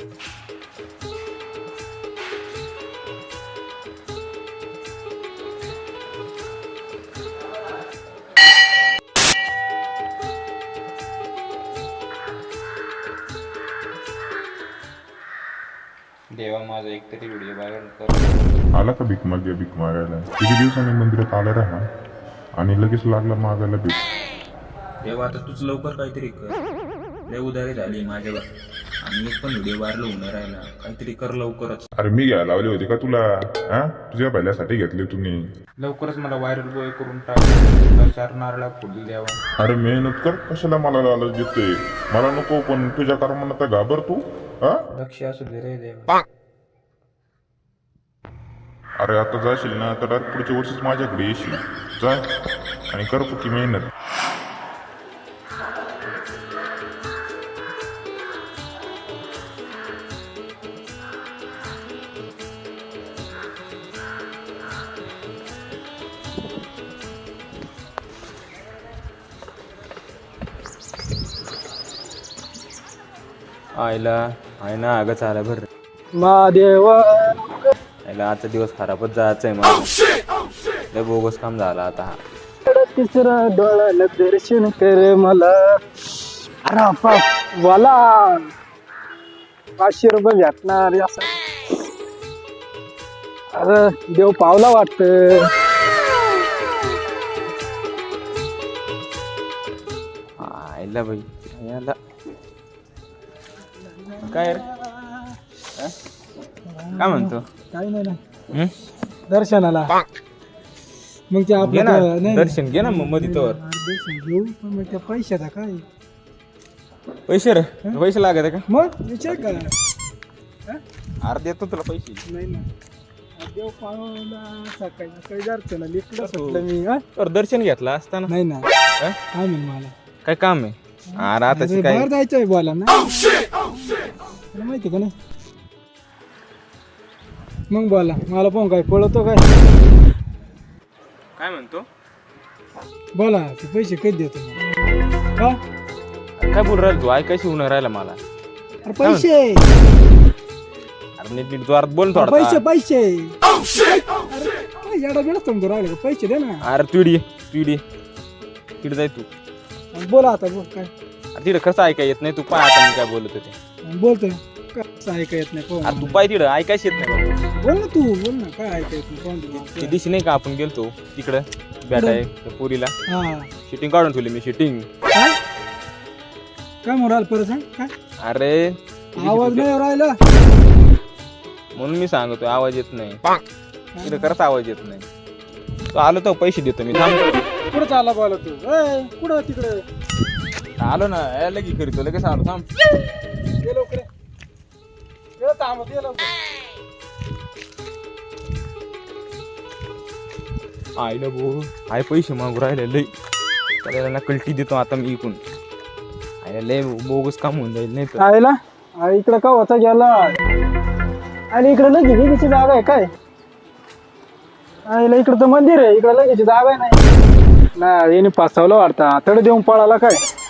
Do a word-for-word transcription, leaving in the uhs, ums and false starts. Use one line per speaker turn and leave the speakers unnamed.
देवा माझा एक तरी व्हिडिओ व्हायरल कर.
आला का भीक मागे भीक मागायला? किती दिवसांनी मंदिरात आला राहा आणि लगेच लागला मागायला भीक.
देवा आता तूच लवकर काहीतरी कर. लय उधारी झाली माझ्यावर आणि एक पण व्हिडिओ व्हायरल होऊन राहिला. काहीतरी कर लवकरच.
अरे मी घ्यायला लावली होती का तुला? हा तुझ्या पहिल्यासाठी घेतली तुम्ही.
लवकरच मला व्हायरल बॉय करून टाक. चार नारळा फुल द्यावा.
अरे मेहनत कर, कशाला मला लालच देतोय? मला नको, पण तुझ्या कर्मानं तर घाबर तू. हा
लक्ष असू दे रे देवा.
अरे आता जाशील ना तर डायरेक्ट पुढच्या वर्षीच माझ्याकडे येशील. जाय आणि कर पुकी मेहनत.
आईला आहे ना अगं चाला भर
महादेवा
आईला आजचा दिवस खराबच जायचं आहे मला. लय बोगस काम झाला आता हा.
तिसरा डोळ्याला दर्शन कर मला. अरे बाप वाला पाचशे रुपये भेटणार असं. अरे देव पावला वाटत.
आईला बाई याला काय रे अं? काय म्हणतो?
काही नाही ना
हं?
दर्शनाला. मग ते
घे
आपलं
ना
ते- नाही
दर्शन घे ना मग मध्ये तोवर.
दर्शन घेऊ, पण मग त्या पैशाचा काय
पैसे रे पैसे लागत आहे का?
मग विचार का?
अरे देतो तुला पैसे.
नाही ना देव पावला सकाळी सकाळी दर्शनाला इकडं सुटलं मी. हा?
तर दर्शन घेतला असताना
नाही ना
अं?
काय म्हण मला
काय काम आहे? अरे आता
अरे
काय
बाहेर जायचंय बोला ना. तुला माहिती का नाही? मग बोला मला पण काय पळतो काय?
काय म्हणतो?
बोला ते पैसे कधी देतो मला? का?
काय बोल राहिला तू? ऐकायची होऊन राहिला मला.
अरे पैसे
अरे नीट नीट जोरात बोल थोडा.
पैसे पैसे अरे काय येडा बेडा समजून राहिले का? पैसे दे ना.
अरे तुडी तुडी तिकडे जाय तू.
बोला आता बोल काय
अरे तिकडे कसं ऐकाय येत नाही. तू पाय आता मी काय बोलत होते.
बोलतोय कसं ऐका येत नाही पाहून.
अरे तू पाय तिकडं ऐकायच येत नाही.
बोल ना तू बोल ना काय ऐका येत नाही पाहून
ते
तू.
दिवशी नाही का आपण गेलतो तिकडं भेटाय त्या पोरीला
हा
शूटिंग काढून ठेवली मी शूटिंग.
काय काय मोराल परत सांग काय?
अरे
आवाज नाही राहिला.
म्हणून मी सांगतोय आवाज येत नाही. तिकडे खरंच आवाज येत नाही. तो आलो तर पैसे देतो मी. थांब
कुठं चालला बोला तू? ए, कुठं तिकडे
आलो ना ए, लगेच करीतो लगेच आलो. थांब
ये लवकर ये. ये थांबत ये लवकर.
आईला भाऊ आय पैसे मागू राहिले लय. त्याला ना कल्टी देतो आता मी इकून. आईला लय बोगस काम होऊन जाईल नाही तर.
आईला आई इकडं का होता गेला? आणि इकडे लगेची जागा आहे काय? आईला इकडं तर मंदिर आहे. इकडं लगेची जागा आहे नाही ना. याने पाचवलं वाटतं तड देऊन पळाला काय?